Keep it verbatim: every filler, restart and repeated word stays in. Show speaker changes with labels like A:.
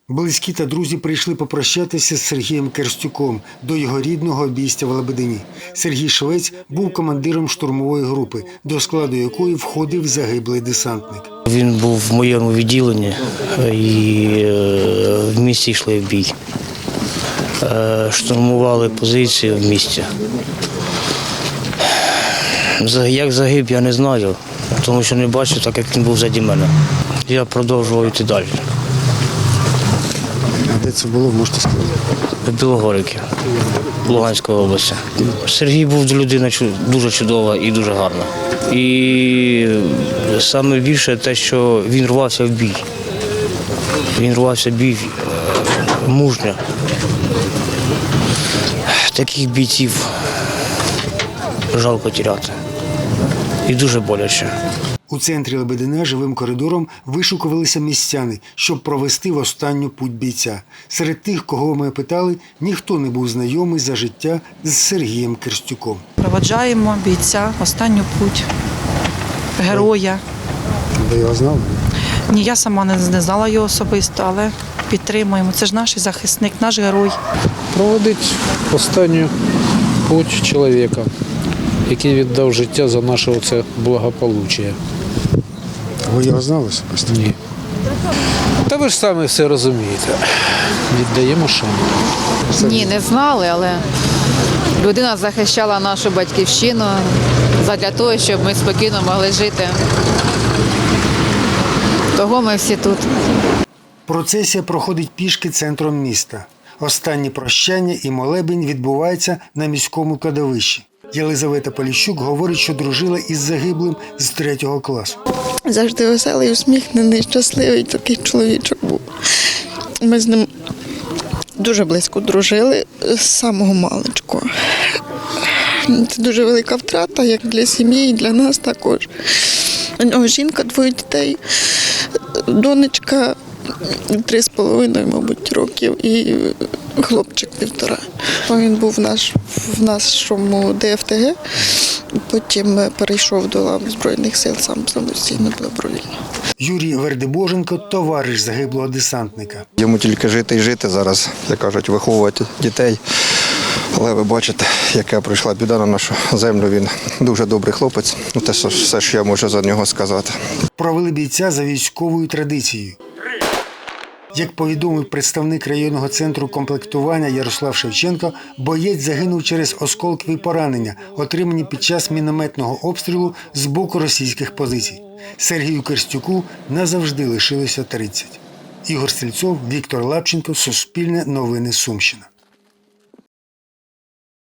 A: Близькі та друзі прийшли попрощатися з Сергієм Керстюком до його рідного обійстя в Лебедині. Сергій Швець був командиром штурмової групи, до складу якої входив загиблий десантник.
B: Він був в моєму відділенні і в місті йшли в бій. Штурмували позиції в місті. Як загиб, я не знаю, тому що не бачив, так як він був заді мене. Я продовжував йти далі.
A: А де це було, можете сказати?
B: В Білогорівці, Луганської області. Сергій був людина дуже чудова і дуже гарна. І саме більше те, що він рвався в бій. Він рвався в бій мужньо. Таких бійців жалко тіряти. І дуже боляче.
A: У центрі Лебедина живим коридором вишукувалися містяни, щоб провести в останню путь бійця. Серед тих, кого ми питали, ніхто не був знайомий за життя з Сергієм Керстюком.
C: Проводжаємо бійця в останню путь, героя.
A: Ви його знали?
C: Ні, я сама не знала його особисто, але підтримуємо. Це ж наш захисник, наш герой.
D: Проводить останню путь чоловіка, який віддав життя за наше оце благополуччя.
A: Ви його знали особисто?
D: Ні. Та ви ж самі все розумієте. Віддаємо шану.
E: Ні, не знали, але людина захищала нашу батьківщину задля того, щоб ми спокійно могли жити. Того ми всі тут.
A: Процесія проходить пішки центром міста. Останнє прощання і молебень відбувається на міському кладовищі. Єлизавета Поліщук говорить, що дружила із загиблим з третього класу.
F: Завжди веселий, усміхнений, щасливий такий чоловічок був. Ми з ним дуже близько дружили з самого маличку. Це дуже велика втрата, як для сім'ї, і для нас також. У нього жінка, двоє дітей, донечка три з половиною, мабуть, років і хлопчик півтора. Він був в, наш, в нашому Д Ф Т Г, потім перейшов до лав Збройних сил сам самостійно добровільно.
A: Юрій Вердебоженко – товариш загиблого десантника.
G: Йому тільки жити і жити зараз, як кажуть, виховувати дітей. Але ви бачите, яка прийшла біда на нашу землю. Він дуже добрий хлопець. Це все, що я можу за нього сказати.
A: Провели бійця за військовою традицією. Як повідомив представник районного центру комплектування Ярослав Шевченко, боєць загинув через осколкові поранення, отримані під час мінометного обстрілу з боку російських позицій. Сергію Керстюку назавжди лишилося тридцять. Ігор Стрільцов, Віктор Лапченко, Суспільне новини, Сумщина.